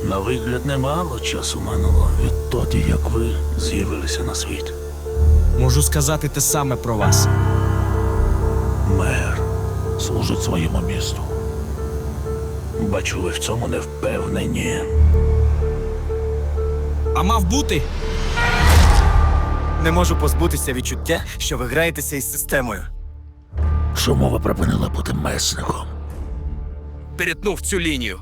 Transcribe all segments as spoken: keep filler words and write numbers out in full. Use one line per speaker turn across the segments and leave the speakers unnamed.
На вигляд немало часу минуло відтоді, як ви з'явилися на світ.
Можу сказати те саме про вас.
Мер служить своєму місту. Бачу, ви в цьому не впевнені.
А мав бути?
Не можу позбутися відчуття, що ви граєтеся із системою.
Чому ви припинили бути месником?
Перетнув цю лінію.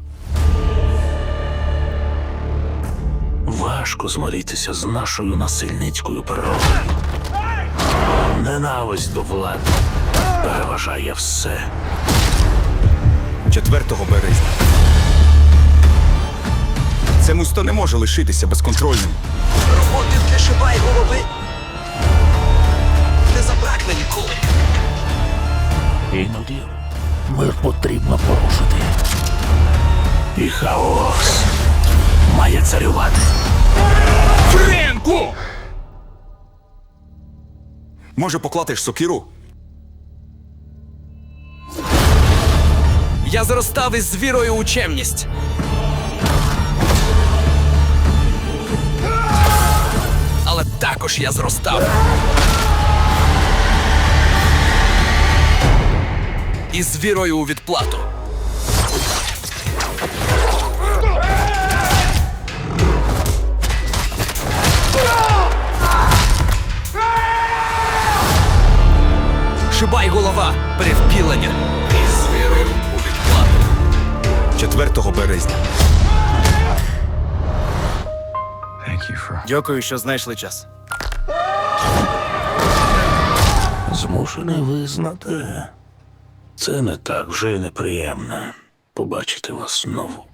Важко змиритися з нашою насильницькою природою. Ненависть до влади переважає все.
четвертого березня. Це місто не може лишитися безконтрольним.
Роботи для шибай голови не забракне ніколи.
Іноді мир потрібно порушити. І хаос має царювати.
Френку! Може, поклатиш сокиру?
Я зростав із вірою у чемність. Але також я зростав із вірою у відплату. Шибай голова, перевпілення. Із вірою у відплату.
четвертого березня.
Дякую, що знайшли час.
Змушений визнати, це не так вже й неприємно побачити вас знову.